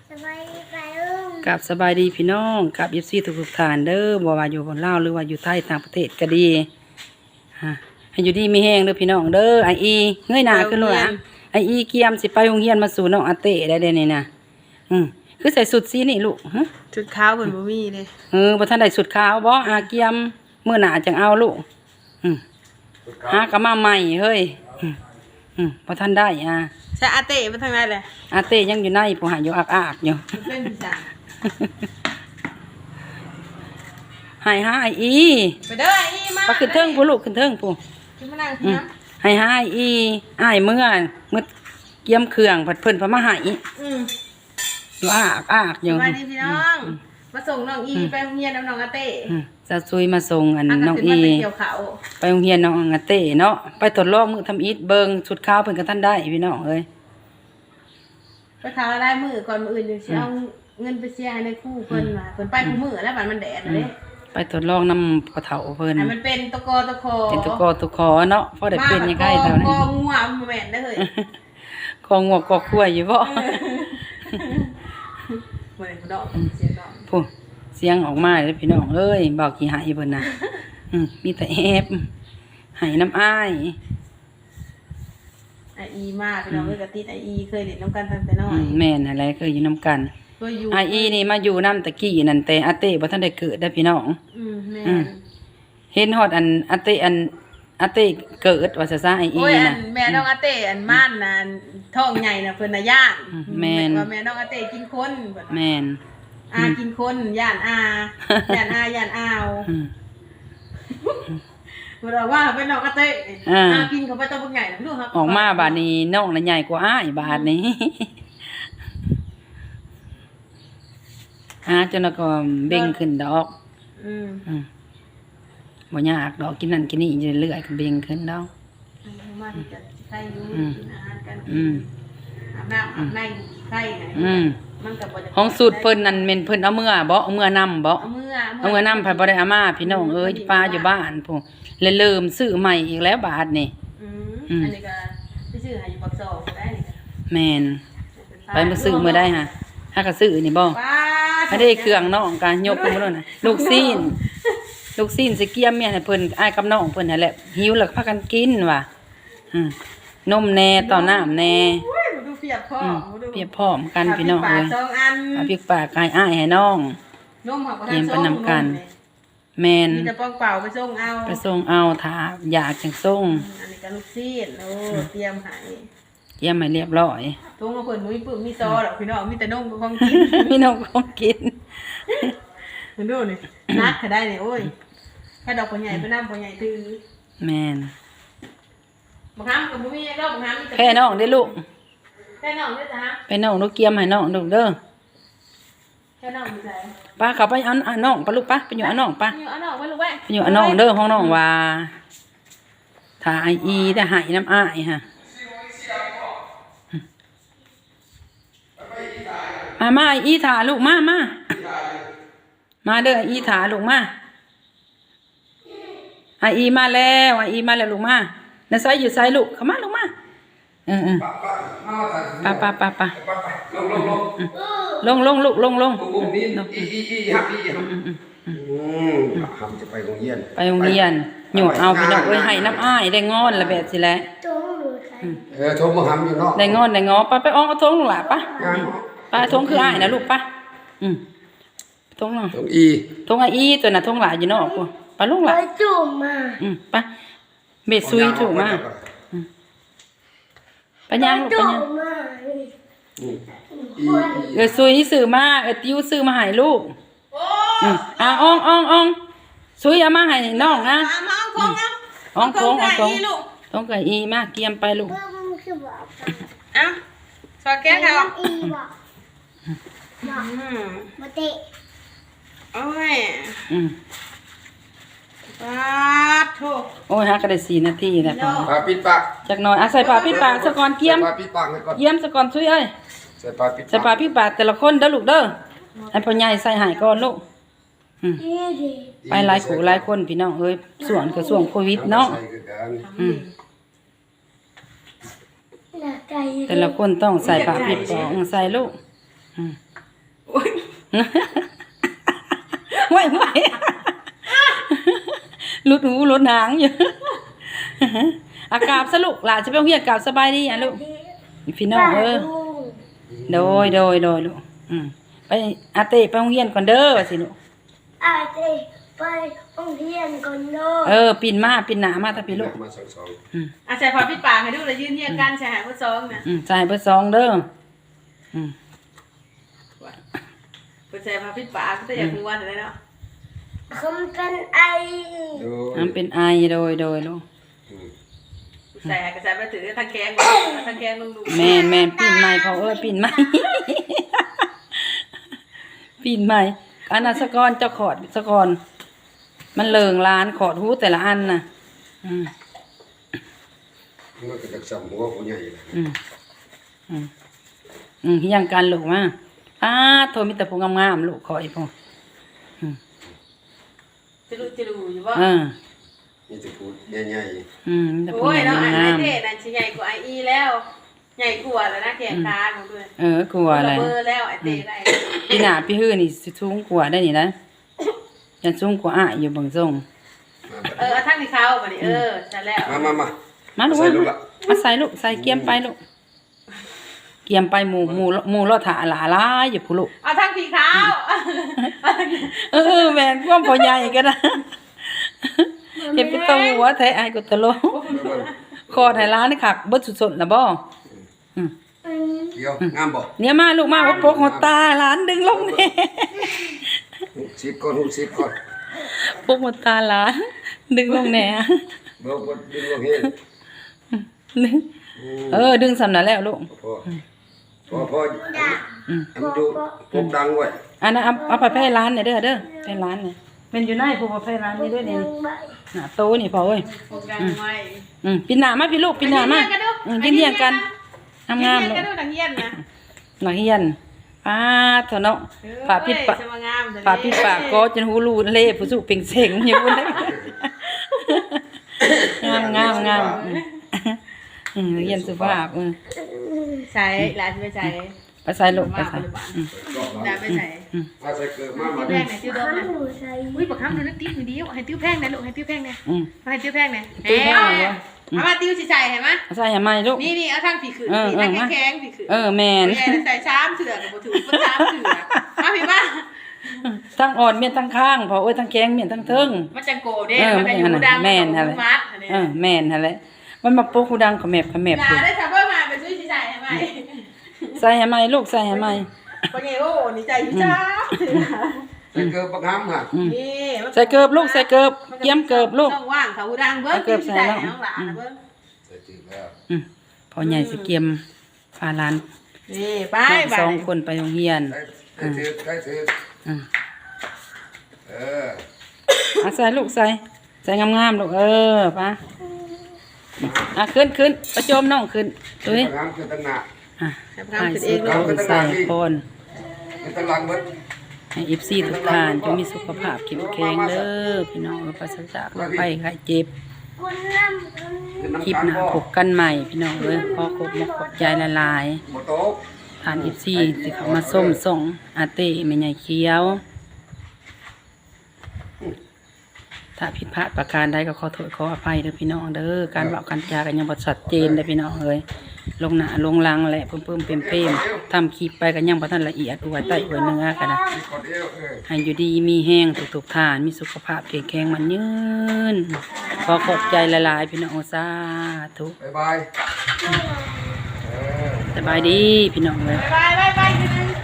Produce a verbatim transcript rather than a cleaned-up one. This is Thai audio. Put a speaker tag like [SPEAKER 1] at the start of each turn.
[SPEAKER 1] สบายดีไปลุง
[SPEAKER 2] กับสบายดีพี่น้องกับยิปซีทุกๆท่านเด้อบ่ว่าอยู่บนลาวหรือว่าอยู่ไทยต่างประเทศก็ดีฮะให้อยู่ดีมีแห้งเด้อพี่น้องเด้อไออีเงยหน้าขึ้นลูกหลานไออีเกียมสิไปโรงเรียนมาสู่น้องอาเต้ได้เด้นี่นะอืมคือใส่สุดสีนี่ลูกฮะ
[SPEAKER 3] ชุดขาวเพิ่นบ่มีเลย
[SPEAKER 2] เออบ่ทันได้สุดขาวบ่อาเกียมมื้อหน้าจังเอาลูกอืมหากะมาใหม่เฮ้ยอืมอืมบ่ทันได้อ่ะ
[SPEAKER 3] ใช่อาเต้ไปทางไหนแหละ
[SPEAKER 2] อาเต้ยังอยู่ในผู้หาอยู่อักๆอยู่
[SPEAKER 3] เป็นพี่สาว
[SPEAKER 2] ให้หาไออี
[SPEAKER 3] ไปเด้อไอ้อีมา
[SPEAKER 2] ก็ขึ้นเทิงผู้ลูกขึ้นเทิงผู้
[SPEAKER 3] ขึ้นมานั่ง
[SPEAKER 2] อืม
[SPEAKER 3] นะ
[SPEAKER 2] ให้หาไออีอ้ายเมื่อเมื่อเกี่ยมเครื่องผัดเพิ่นพมาใหาย
[SPEAKER 3] อืม
[SPEAKER 2] อยู่อากอากอ
[SPEAKER 3] ส
[SPEAKER 2] ยู่
[SPEAKER 3] วัสดีพี่น้องมาส่งน้องอีไปโรงเรียนน้องอาเต้
[SPEAKER 2] อืมจะซุยมาส่งอัน
[SPEAKER 3] อัน
[SPEAKER 2] น้อง
[SPEAKER 3] ขึ้
[SPEAKER 2] อี
[SPEAKER 3] มาไปเกี่ยวเขา
[SPEAKER 2] ไปโรงเรียนน้องอาเต้เนาะไปทดลองมือทำอีทเบิงชุดขาวเพิ่นก็ท่านได้พี่น้องเอ้ย
[SPEAKER 3] ไปทาได้มือก่อนมืออื่นอยู่สิเอาเงินไปเสียให้ในครู่เพิ่นมาเพิ่นไปคู่มือแล้วบัดมันแดดเลย
[SPEAKER 2] ไปทดลองนำกระเถาเพิ่น
[SPEAKER 3] ให้มันเป็นตะกอตะคอ
[SPEAKER 2] เป็นตุกอตุกคอเนาะพอได้เป็นยังไงเท่านั้น
[SPEAKER 3] กองัวบ่แม่นเด้อเฮ้ย
[SPEAKER 2] คองวกกอคั่วอยู่บ่
[SPEAKER 3] บ่ได้ผู้ดอกเสียดอก
[SPEAKER 2] ผู้เสียงออกมาเด้อพี่น้องเอ้ยบอกขี้หายเพิ่นน่ะอืมมีแต่แอบใหายน้ำอ้าย
[SPEAKER 3] ไออีมาพี่น้องเอ้ยกะติดไออีเคยเล่นน้ำกันตั้งแต่น้อ
[SPEAKER 2] อื
[SPEAKER 3] ย
[SPEAKER 2] มแม่นอะไรเคยอยู่นํกัน
[SPEAKER 3] เคยอยู่
[SPEAKER 2] ไออีนี่มาอยู่น้ำตะกี้นั่นแต่อาเต้บ่ทันได้เกิดได้อพี่น้อง
[SPEAKER 3] อืมแม่
[SPEAKER 2] อืม เห็นฮอดอันอาเต้อันอาเต้เกิดว่าซะซะไออี
[SPEAKER 3] โอ้ยอั
[SPEAKER 2] น่ะ
[SPEAKER 3] นแม่น้องอาเต้อันม่านน่ะอันท้องใหญ่น่ะเพิ่นน่ะย่าน
[SPEAKER 2] อืมแม่น
[SPEAKER 3] ว่าแม่น้องอาเต้กินคนเพิ่นว่า
[SPEAKER 2] แม่น
[SPEAKER 3] อากินคนย่านอาย่านอาย่านอาว
[SPEAKER 2] อืม
[SPEAKER 3] เพิ่นว่าว่าเป็นน้องอาเต้
[SPEAKER 2] อ่า
[SPEAKER 3] อากินเขาไปตัวบักใหญ่น่ะลูกครับ
[SPEAKER 2] ออกมาบาดนี้น้องน่ะใหญ่กว่าอ้ายบาดนี้ หาจนแล้วก็เบ่งขึ้นดอก
[SPEAKER 3] อืม
[SPEAKER 2] อืมบ่ยากดอกกินนั่นกินนี่อยู่เรื่อยๆก็เบ่งขึ้นดอก
[SPEAKER 3] มาที่จะใครอยู่
[SPEAKER 2] อืม
[SPEAKER 3] กินอาหารกัน
[SPEAKER 2] อืม
[SPEAKER 3] อาบน้ำอาบในใครน่ะ
[SPEAKER 2] อืม
[SPEAKER 3] มันก็บ่จะ
[SPEAKER 2] ห้องสูตรเพิ่นนั่นแม่นเพิ่นเอาเมื่อบ่เอาเมื่อนำบ่
[SPEAKER 3] เอามือ
[SPEAKER 2] เอาเงินนำไปบ่ได้อามาพี่น้องเอ้ยป้าอยู่บ้านพุ่นเลยเริ่มซื้อใหม่อีกแล้วบาทนี่
[SPEAKER 3] อื
[SPEAKER 2] อื
[SPEAKER 3] ม
[SPEAKER 2] ม
[SPEAKER 3] อันนี้ก็ไปซื้อให้อยู่ปักซองก็ได้นี่ก็
[SPEAKER 2] แม่นไปมาซื้อมื้อได้ฮะหาก็ซื้อนี่บ่
[SPEAKER 3] ป้า
[SPEAKER 2] ถ้าได้เครื่องน้องก็ยกขึ้นมาแล้วน่ะลูกซีนลูกซีนสิเกียมแม่ให้เพิ่นอ้ายกับน้องเพิ่นนั่นแหละหิวแล้วก็พากันกินว่ะอืมนมแน่ต่อน้ำแน่
[SPEAKER 3] อุ้ยดูเปียกพ่อ
[SPEAKER 2] อืม
[SPEAKER 3] ดู
[SPEAKER 2] เปรียบพร้อมกันพี่น้อง
[SPEAKER 3] ปา
[SPEAKER 2] เอ้
[SPEAKER 3] ก
[SPEAKER 2] ย
[SPEAKER 3] สองอัน
[SPEAKER 2] เอาพริกปากให้อ้ายให้น้อง
[SPEAKER 3] นมเขาก็
[SPEAKER 2] เตรียมไป
[SPEAKER 3] ส่ง
[SPEAKER 2] นำกัน
[SPEAKER 3] มเย
[SPEAKER 2] แม่น
[SPEAKER 3] มีแต่ป้องเปล่าไปส่งเอา
[SPEAKER 2] ไปส่งเอาถ้าอยากจังส่ง
[SPEAKER 3] อันนี้ก็ลูกซีดโอ้เตรียมให้
[SPEAKER 2] เตรียมให้เรียบร้อย
[SPEAKER 3] ทุ่งเอาเพิ่นบ่มีปึ้มมีซอดอกพี่น้องมีแต่นมกับของกิน
[SPEAKER 2] พี่น้องของกิน
[SPEAKER 3] เห็นดูนี่นักก็ได้นี่โอ้ยแค่ดอกพ่อใหญ่ไปนำพ่อใหญ่ถือ
[SPEAKER 2] แม่น
[SPEAKER 3] บางครั้งก็บ่มีดอกบางครั้งมีแต่
[SPEAKER 2] แพ่น้องได้อลูก
[SPEAKER 3] แค่น้องด้วยจ้ะฮะ
[SPEAKER 2] ไปน้องลูกเกียมให้น้องลูกเด้อ
[SPEAKER 3] แค่น้องมีใจ
[SPEAKER 2] ป้าเขาไปเอาเอาน้องปะลูกป้าไปอยู่เอาน้องป้า
[SPEAKER 3] อยู่เอาน้องไว้ลูกไว้
[SPEAKER 2] ไปอยู่เอาน้องเด้อห้องน้องว่าถ้าไออีได้ใหายน้ำอ้ายฮะมามาไออีถาลูกมามามาเด้อไออีถาลูกมาไออีมาแล้วไออีมาแล้วลูกมาน้าไซอยู่ไซลูกเข้ามาลูกมาเออเออป้าป้าป้าป้า
[SPEAKER 4] ลงลงลง
[SPEAKER 2] ลงลงลูกลงลง
[SPEAKER 4] ลงลงนี่อีอีอีฮับอีฮับอืมทำจะไปโรงเรียน
[SPEAKER 2] ไปโรงเรียนหยวกเอาพี่น้องเอ้ยให้น้ำอ้ายได้งอนละแบบสิแหละ
[SPEAKER 1] ตรงหรือใคร
[SPEAKER 4] เออชมมาทำอยู่เนาะ
[SPEAKER 2] ได้งอนได้งอป้าไปอ้องเอาทงลูกหล่ะป้า
[SPEAKER 4] งาน
[SPEAKER 2] ป้าทงคืออ้ายนะลูกป้าอืมทงเนาะ
[SPEAKER 4] ตรงอี
[SPEAKER 2] ทงไออีตัวน่ะทงหลายอยู่เนาะกูป้าลูกห
[SPEAKER 1] ไป
[SPEAKER 2] ล่ะ
[SPEAKER 1] จุ่มมา
[SPEAKER 2] อืมป้าเบ็ดซุยถูกมาป้าย่างลูก
[SPEAKER 1] จุ่
[SPEAKER 2] ป้าม ย่าง
[SPEAKER 1] มา
[SPEAKER 4] อี
[SPEAKER 2] เออซุยซื้อมาเออติ้วซื้อมาให้ลูกอืมอ่ะอ่องอ่องอ่องซุยเอามาให้น้องนะ
[SPEAKER 3] เอามาเอาของเอา
[SPEAKER 2] อ่องทงอ่องทง
[SPEAKER 3] นี่ลูก
[SPEAKER 2] ทงกับอีมาเกียมไปลูก
[SPEAKER 1] เพิ่มคือบอก
[SPEAKER 3] เอาสอดแก้วเขา
[SPEAKER 1] อีบอกบอก
[SPEAKER 3] อืม
[SPEAKER 1] มาเตะ
[SPEAKER 3] โอ้ย
[SPEAKER 2] อืม
[SPEAKER 3] ปาดโถ
[SPEAKER 2] โอ้ยฮักก็ได้สี่นาทีแล้วพอ
[SPEAKER 4] ปลาปิดปาก
[SPEAKER 2] จากหน่อยอ่ะใส่ผ้าปิดปากสะก่อนเกียม
[SPEAKER 4] ปลาปิดปากให้ก่อน
[SPEAKER 2] เยี่ยมสะก่อนซุยเอ้ย
[SPEAKER 4] ใส่ปลาปิด
[SPEAKER 2] ใส่ผ้าปิดปากแต่ละคนเด้อลูกเด้อให้พ่อใหญ่ใส่หายก่อนลูกอืม
[SPEAKER 1] เอ๊ะดิ
[SPEAKER 2] ไปหลายขู่หลายคนพี่น้องเอ้ยส่วนก็ส่วงโควิดเนาะ
[SPEAKER 4] ใส่คือกัน
[SPEAKER 2] อืม
[SPEAKER 1] หน้าไก่
[SPEAKER 2] แต่ละคนต้องใส่ผ้าปิดปากใส่ลูกอืมไม่ไม่หลุดหูหลุดหางอยู่อากาศสลุกหล่ะจะไปโรงเรียนกราบสบายดีอ่ะลูกพี่น้องเออโดยโดยโดยลูกอืมไปอาเต้ไปโรงเรียนก่อนเด้อว่าสิลูก
[SPEAKER 1] อาเต้ไปโรงเรียนก่อนเด้อ
[SPEAKER 2] เออปิ่นมาปิ่นหนามาตาพี่ลูก
[SPEAKER 4] มาสองสอง
[SPEAKER 2] อืม
[SPEAKER 3] อาใส่พอพี่ปากให้ดูแล้วยืนเรียงกันใส่หางผู้ซองนะ
[SPEAKER 2] อืมจ่ายเบอร์สองเด้ออืม
[SPEAKER 3] เปิดใส่พอพี่ปากก็จะอยากม้วนเลยเนาะ
[SPEAKER 1] คำเป็นไอ
[SPEAKER 4] ดู
[SPEAKER 2] อันเป็นไอโดยโดยลูก
[SPEAKER 3] ใส่กระใส่ไปถือทางแกงทางแกงลงดู
[SPEAKER 2] แม่นแม่นปิ่นใหม่พอเอ้ยปิ่นใหม่ ปิ่นใหม่อันนั้นสะกอนเจ้าขอดสะกอนมันเลิงล้านขอดหูแต่ละอันน่ะอืม
[SPEAKER 4] มันก็จะสั่งหัวผู้ใหญ่เลย
[SPEAKER 2] อืมอืมอืมยังกันลูกมาอ้าโทรมีแต่พวกงามๆลูกขออีกพวก
[SPEAKER 3] จะรู้จะรู้อยู่ว่า
[SPEAKER 2] อ่า
[SPEAKER 4] นี่จะพูดใหญ่
[SPEAKER 2] อืมมีแต่พวก
[SPEAKER 3] โอ้ยเนาะไอ้
[SPEAKER 2] งาม
[SPEAKER 3] เท่นั่นชิ้นใหญ่กว่าไออีแล้วใหญ่กว่าแล้วนะแขนตาของด้วย
[SPEAKER 2] ๆเออกลัวอะไร
[SPEAKER 3] เบอร์แล้วไอ้เต้ได้
[SPEAKER 2] พี่หน้าพี่ฮื้อนี่สิสูงกว่าได้นี่นะยันสูงกว่าอ้ายอยู่เบางทรง
[SPEAKER 3] เออทั้งที่เขาบ่นี่เออใช่แล้ว
[SPEAKER 4] มามามา
[SPEAKER 2] มาลูก
[SPEAKER 4] ใส่
[SPEAKER 2] มา
[SPEAKER 4] ลูกละ
[SPEAKER 2] มาใส่ลูกใส่เกียมไปลูกเกียมไปหมู่หมู่หมู่รอถาหลาหลายอยู่ผู้ลูก
[SPEAKER 3] เอาทั้งที่เขา
[SPEAKER 2] เออแม่นความพอใหญ่ก็ได้เฮ็ดไปตรงหัวแท้อายก็ตะโลคอดให้ร้านนี่คักเบิดสุดๆล่ะบ่อืม
[SPEAKER 4] เดี๋ยวงามบ่
[SPEAKER 2] เนี่ยมาลูกมาว่าปกหัวตาหลานดึงลงแน่
[SPEAKER 4] สิบก้อนหูสิบก้อน
[SPEAKER 2] ปกหัวตาหลานดึงลงแน่
[SPEAKER 4] เบาก็ดึงลงเฮ็ด
[SPEAKER 2] ดึงเออดึงสำนั้นแล้วลูก
[SPEAKER 4] พอพอพอ
[SPEAKER 2] อืม
[SPEAKER 4] ทำดูพบดังไว้
[SPEAKER 2] อันนั้นเอาเอาไปให้ร้านเนี่ยเด้อเด้อไปร้านเนี่ยเป็นอยู่ในผู้ไปร้านนี้ด้วยนี่หน้าโตนี่พอเอ้ย
[SPEAKER 3] โฟกัสไว้
[SPEAKER 2] อืมปีหน้ามาพี่ลูกปีหน้ามาอืมเลี้ยงๆกันงามๆ
[SPEAKER 3] ลู
[SPEAKER 2] ลู
[SPEAKER 3] ก
[SPEAKER 2] ก
[SPEAKER 3] กันดูดังเยี่ยนนะ
[SPEAKER 2] นักเรียนป้าเถอะเนาะปาปิดปาก
[SPEAKER 3] สมางาม
[SPEAKER 2] ปาปิดปากก็จนหูรูเล่ผู้สู้เป่งเสงอยู่บนนั้นงามงามงามอืมเรียนสุภาพอืม
[SPEAKER 3] ใช้หลานไปใช้
[SPEAKER 2] ไปใส่ลูกไปใส่อืม
[SPEAKER 3] หลานไปใช้
[SPEAKER 4] มาใส่เกลือมามา
[SPEAKER 3] ติ้วแพงไหนติ้วดม
[SPEAKER 1] ข้า
[SPEAKER 3] นะ
[SPEAKER 1] หนูใส่
[SPEAKER 3] อุ้ยบักคำดูนะติ้วเดียวให้ติ้วแพงนะลูกให้ติ้วแพงนะ
[SPEAKER 2] อืม
[SPEAKER 3] ให้ติ้วแพงนะ
[SPEAKER 2] ติ้วแพงเหรอ
[SPEAKER 3] เอามาติ้วสิใส่เห็นไหม
[SPEAKER 2] ใส่ให้ไหมลูก
[SPEAKER 3] นี่นี่เอาทางผีขืน
[SPEAKER 2] เออ
[SPEAKER 3] ผี
[SPEAKER 2] เออ
[SPEAKER 3] ทาง
[SPEAKER 2] มา
[SPEAKER 3] แข็งๆผีขืน
[SPEAKER 2] เออแม่น
[SPEAKER 3] ใหญ่ใส่ช้ามเถื่อนกับบ่ถือบ่ช้ามเถื่อนมาพี่บ้า
[SPEAKER 2] ทั้งอ่อนเมียนทั้งข้างพอเอ้ยทั้งแข็งเมียนทั้งเทิง
[SPEAKER 3] มันจังโกเด้
[SPEAKER 2] เออ
[SPEAKER 3] มันจะอยู่ดัง
[SPEAKER 2] แม่นหั่นแหละ
[SPEAKER 3] มัดอันนี้
[SPEAKER 2] เออแม่นหั่นแหละมันมาปลุกหูดังขะแมบขะแมบ
[SPEAKER 3] อย่า
[SPEAKER 2] อยู่
[SPEAKER 3] ได้ทำเพิ่มมาไปซื้อสิใส่ให้ไหม
[SPEAKER 2] ใส่ให้ไหมลูกใส่ให้ไหม
[SPEAKER 3] ปะไงโอ้นี่ใจพี่ช้าม
[SPEAKER 4] ใส่เกลือบักหำฮะ
[SPEAKER 2] อืม
[SPEAKER 3] นี่
[SPEAKER 2] ใส่เกิบลูกใส่เกิบเกียมเกิบลูก
[SPEAKER 3] ต้องว่างเขาหูดังเบิ้ง
[SPEAKER 2] เอาเกิบใส่แล้ว
[SPEAKER 3] น้องหลานนะเบิ้ง
[SPEAKER 4] ใส่จืดแล้ว
[SPEAKER 2] อืมพอใหญ่สิเกียมพาหลาน
[SPEAKER 3] นี่ไป
[SPEAKER 2] น้อง
[SPEAKER 3] ไป
[SPEAKER 2] สองคนไปโรงเรียน
[SPEAKER 4] ใส่ใส่จืดใส่จืด
[SPEAKER 2] อืม
[SPEAKER 4] เออ
[SPEAKER 2] อ่ะใส่ลูกใส่ใส่งามๆลูกเออปะอ่ะขึ้นขึ้นประโจมน้องขึ้นดูดิ
[SPEAKER 4] บักหำคือตั้งหน้า
[SPEAKER 2] อ่ะ
[SPEAKER 3] ให้
[SPEAKER 2] ให้
[SPEAKER 3] ทำขึ้น
[SPEAKER 2] สิ
[SPEAKER 3] เองลู
[SPEAKER 2] เอา
[SPEAKER 3] ก
[SPEAKER 2] ไปใส่พร
[SPEAKER 4] คือตั้งหลังเบิด
[SPEAKER 2] ให้อีฟซีทุกท่านจงมีสุขภาพเข้มแข็งเด้อพี่น้องปราศจากโรคภัยไข้เจ็บ
[SPEAKER 1] คนน้ำคน
[SPEAKER 4] คือน้ำ
[SPEAKER 2] คลิป
[SPEAKER 4] ตาล
[SPEAKER 2] หน้า
[SPEAKER 4] บ่
[SPEAKER 2] พบกันใหม่พี่น้องเอ้ยขอขอบมกขอบใจละลาย
[SPEAKER 4] บ่โตก
[SPEAKER 2] ๆทานอีฟซีที่เขามาส้มส่งอาเต้แม่ใหญ่เขียว ถ้าผิดพลาดประการใดก็ขอโทษขออภัยเด้อพี่น้องเด้อการเว้ากันจากันยังบ่ชัดเจนเด้อพี่น้องเอ้ยลงหน้าลงหลังแหละเพิ่มๆเปมๆทำคลิปไปก็ยังบ่ทันละเอียดอวยใต้อวยเนื้อกันนะ
[SPEAKER 4] กดเดียวเออ
[SPEAKER 2] ให้อยู่ดีมีแห้งทุกๆทานมีสุขภาพแข็งแรงมันยืนขอขอบใจหลายๆพี่น้องสาธุ
[SPEAKER 4] บ๊ายบายเออ
[SPEAKER 2] สบายดีพี่น้องเอ้ย
[SPEAKER 3] ไปไปไปไป